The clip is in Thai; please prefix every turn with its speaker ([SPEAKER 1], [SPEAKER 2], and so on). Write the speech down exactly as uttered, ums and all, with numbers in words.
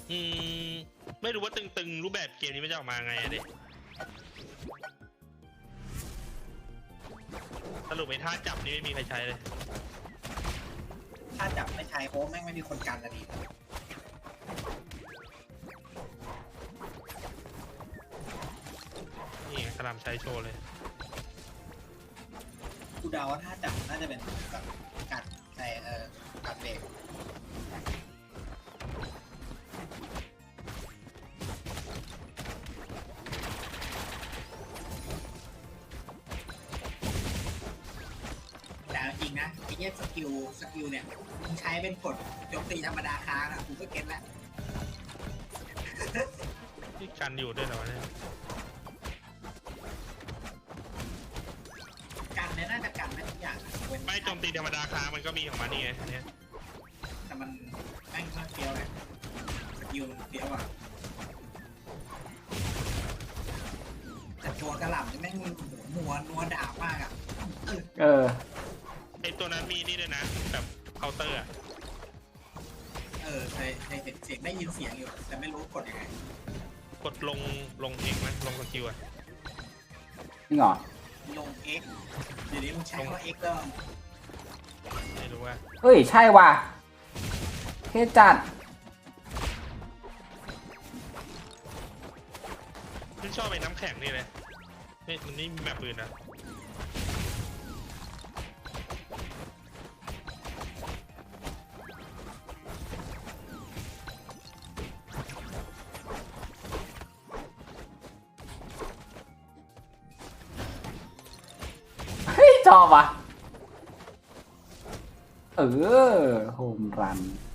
[SPEAKER 1] อืมไม่รู้ว่าตึงๆรูปแบบเกมนี้มันจะออกมาไงอะเด็กสรุปไอ้ท่าจับนี่ไม่มีใครใช้เลย
[SPEAKER 2] ถ้าจับไม่ใช้โอ้แม่งไม่มีคนกันละดี
[SPEAKER 1] นี่กระลำใช้โชว์เลย
[SPEAKER 2] กูเดาว่าถ้าจับน่าจะเป็นแบบกัดใส่เออกัดเบรกแต่จริงนะไอ้เนี้ยสกิลสกิลเนี่ยมึงใช้เป็นกดโจมตีธรรมดาค้างอ่ะกูก็เก็ตแล้ว
[SPEAKER 1] ที่กันอยู่ด้วยเหรอเนี่ย
[SPEAKER 2] กันเนี่ยน่าจะกันได้ทุกอย่างอะ
[SPEAKER 1] ไม่โจมตีธรรมดาค้างมันก็มีของมันนี่ไงอันเนี้ย
[SPEAKER 2] แต่มันแม่งมากเฟี้ยวเลยสกิลมันเฟี้ยวอ่ะแต่ตัวกระหล่ำนี่แม่งหัวนัวดาบมากอ่ะ
[SPEAKER 3] เออ
[SPEAKER 1] ไอตัวนั้นมีนี่ด้วยนะแบบเคาน์เตอร์อะ
[SPEAKER 2] เออเคยเคยเห็นเสียงได้ยินเสียงอยู่แต่ไม่รู้กดยังไง
[SPEAKER 1] กดลงลงเองไหมลงสกิลอะ
[SPEAKER 3] นี่เหรอ
[SPEAKER 2] ลง X เดี๋ยวนี้มึงใช้ว่า X ก็
[SPEAKER 1] ไม่รู้ว่า
[SPEAKER 3] เฮ้ยใช่ว่ะเท่จัด
[SPEAKER 1] ฉันชอบไอ้น้ำแข็งนี่เลยไม่มันนี่มีแบบปืนนะ
[SPEAKER 3] เฮ้ยชอบว่ะเออโฮมรัน